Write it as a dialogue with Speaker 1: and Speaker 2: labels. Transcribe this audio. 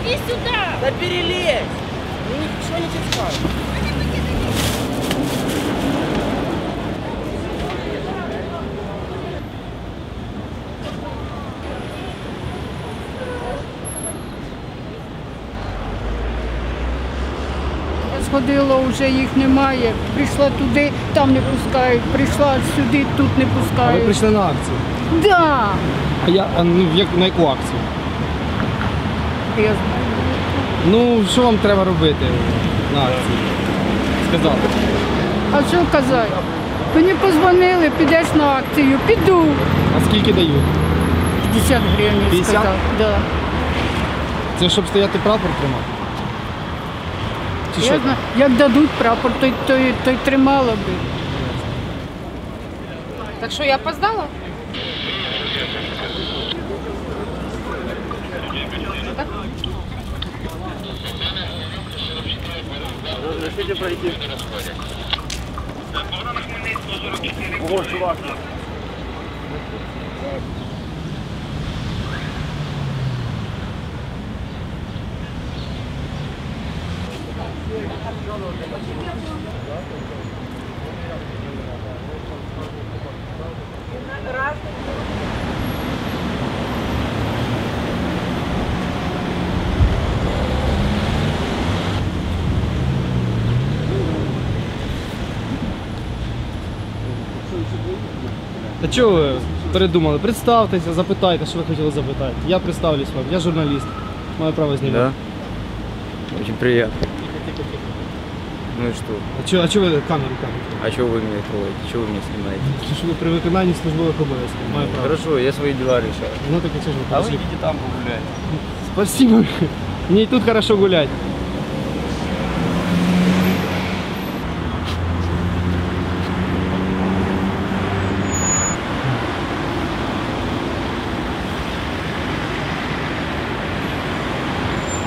Speaker 1: Иди сюда!
Speaker 2: Да перелезь! Ну ничего не читаю.
Speaker 3: Сходила, вже їх немає. Прийшла туди, там не пускають. Прийшла сюди, тут не
Speaker 4: А ви
Speaker 3: пускають.
Speaker 4: прийшли на акцію?
Speaker 3: Да.
Speaker 4: На яку акцію?
Speaker 3: Я знаю.
Speaker 4: Ну, що вам треба робити на акції? Сказали.
Speaker 3: А що казати? Мені позвонили, підеш на акцію. Піду.
Speaker 4: А скільки дають?
Speaker 3: 50 гривень,
Speaker 4: 50?
Speaker 3: сказав. Да.
Speaker 4: Це щоб стояти прапор тримати? Чи що
Speaker 3: Я
Speaker 4: там?
Speaker 3: знаю, як дадуть прапор, то й тримала би.
Speaker 1: Так что я опоздала?
Speaker 2: Разрешите пройти? Ого, чувак.
Speaker 4: Та чого ви передумали? Представтеся, запитайте, що ви хотіли запитати. Я представлюсь вам, я журналіст. Маю право знімати.
Speaker 5: Да? Очень приятно. Ну и что?
Speaker 4: А чого ви камеру?
Speaker 5: А чего вы меня трогаете? Чего вы меня снимаете?
Speaker 4: Тому що ви при виконанні службових обов'язків. Маю право.
Speaker 5: Хорошо, я свои дела решаю.
Speaker 4: Ну так і це ж ви
Speaker 5: А вы
Speaker 4: подошли.
Speaker 5: идите там погулять.
Speaker 4: Спасибо. Мне и тут хорошо гулять.